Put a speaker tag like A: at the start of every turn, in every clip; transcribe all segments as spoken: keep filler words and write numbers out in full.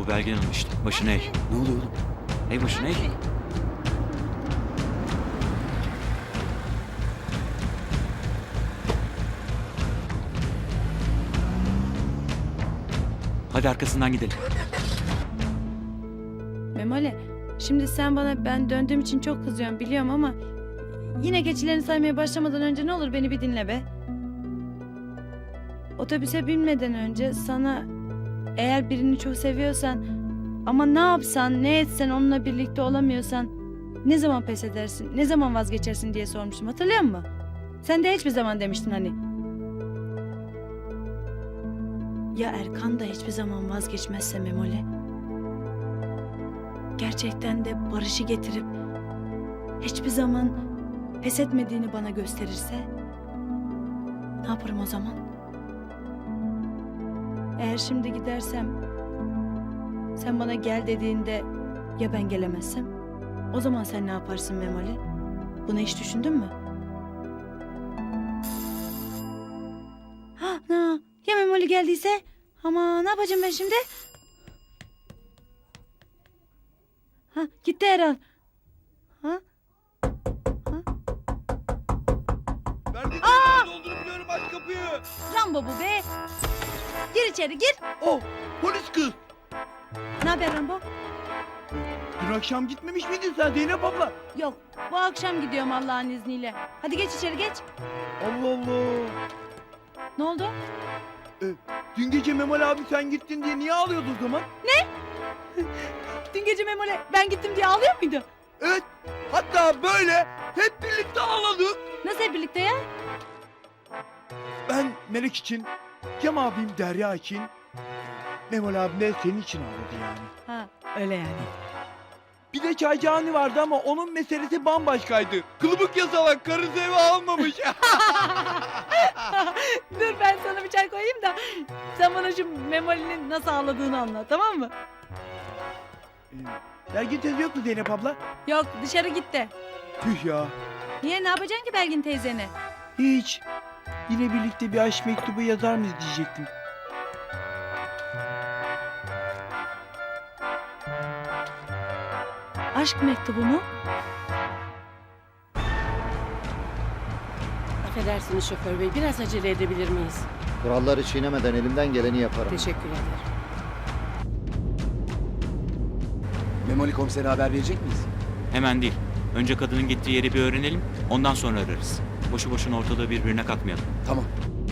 A: Bu Belgin Hanım işte. Başına eğ.
B: Ne oluyor oğlum?
A: Eğ başına eğ. Hadi arkasından gidelim.
C: Memoli, şimdi sen bana ben döndüğüm için çok kızıyorsun biliyorum ama yine geçilerini saymaya başlamadan önce ne olur beni bir dinle be. Otobüse binmeden önce sana eğer birini çok seviyorsan ama ne yapsan ne etsen onunla birlikte olamıyorsan ne zaman pes edersin, ne zaman vazgeçersin diye sormuştum, hatırlıyor musun? Sen de hiçbir zaman demiştin hani. Ya Erkan da hiçbir zaman vazgeçmezse Memoli? Gerçekten de barışı getirip hiçbir zaman pes etmediğini bana gösterirse ne yaparım o zaman? Eğer şimdi gidersem sen bana gel dediğinde ya ben gelemezsem o zaman sen ne yaparsın Memoli? Bunu hiç düşündün mü? Ha, na, ya Memoli geldiyse? Ama ne yapacağım ben şimdi? Ha, gitti herhal. Ha? Ha?
B: Verdiğin Aa! Doldurup aç kapıyı.
C: Rambo bu be. Gir içeri gir.
B: Oh, polis kız.
C: Ne haber Rambo?
B: Dün akşam gitmemiş miydin sen Zeynep abla?
C: Yok, bu akşam gidiyorum Allah'ın izniyle. Hadi geç içeri geç.
B: Allah Allah.
C: Ne oldu?
B: Ee, dün gece Memal abi sen gittin diye niye ağlıyordu o zaman?
C: Dün gece Memoli ben gittim diye ağlıyor muydu?
B: Evet, hatta böyle hep birlikte ağladık.
C: Nasıl hep birlikte ya?
B: Ben Melek için, Cem abim Derya için, Memal abim de senin için ağladı yani.
C: Ha, öyle yani.
B: Bir de Çaycani vardı ama onun meselesi bambaşkaydı. Kılıbık yasalak, karısı eve almamış.
C: Dur ben sana bir çay koyayım da sen bana şu Memoli'nin nasıl ağladığını anlat, tamam mı?
B: Belgin teyze yok mu Zeynep abla?
C: Yok, dışarı gitti.
B: Tüh ya.
C: Niye, ne yapacaksın ki Belgin teyzene?
B: Hiç. Yine birlikte bir aşk mektubu yazar mıyız diyecektim.
C: Aşk mektubu mu?
D: Affedersiniz şoför bey, biraz acele edebilir miyiz?
E: Kuralları çiğnemeden elimden geleni yaparım.
D: Teşekkür ederim.
F: Memoli komisere haber verecek miyiz?
A: Hemen değil. Önce kadının gittiği yeri bir öğrenelim. Ondan sonra ararız. Boşu boşuna ortalığı birbirine katmayalım.
F: Tamam.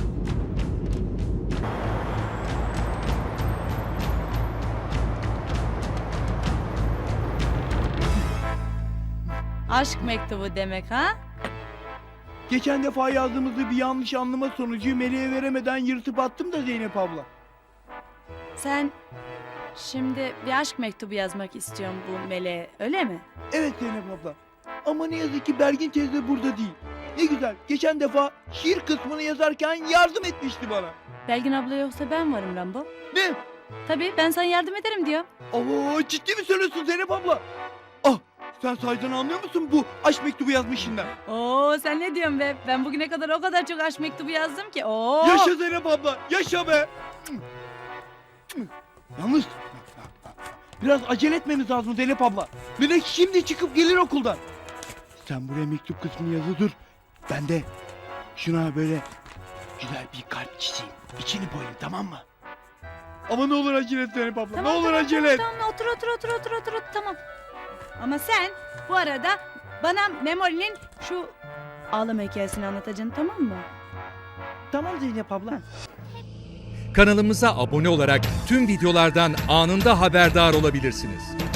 C: Aşk mektubu demek ha?
B: Geçen defa yazdığımızda bir yanlış anlama sonucu Melek'e veremeden yırtıp attım da Zeynep abla.
C: Sen şimdi bir aşk mektubu yazmak istiyorsun bu Meleğe, öyle mi?
B: Evet Zeynep abla. Ama ne yazık ki Belgin teyze burada değil. Ne güzel. Geçen defa şiir kısmını yazarken yardım etmişti bana.
C: Belgin abla yoksa ben varım Rambo.
B: Ne?
C: Tabii ben sana yardım ederim diyor.
B: Oo, ciddi mi söylüyorsun Zeynep abla? Ah, sen sahiden anlıyor musun bu aşk mektubu yazmışından?
C: Oo sen ne diyorsun be? Ben bugüne kadar o kadar çok aşk mektubu yazdım ki. Oo.
B: Yaşa Zeynep abla, yaşa be. Yalnız biraz acele etmemiz lazım Zeynep abla. Melek şimdi çıkıp gelir okuldan. Sen buraya mektup kısmını yazı dur. Ben de şuna böyle güzel bir kalp çizeyim. İçini boyayayım, tamam mı? Ama ne olur acele et Zeynep abla.
C: Tamam,
B: ne olur
C: tamam,
B: acele et.
C: Tamam, tamam otur otur otur otur otur otur tamam. Ama sen bu arada bana Memoli'nin şu ağlama hikayesini anlatacaksın, tamam mı?
B: Tamam Zeynep abla.
G: Kanalımıza abone olarak tüm videolardan anında haberdar olabilirsiniz.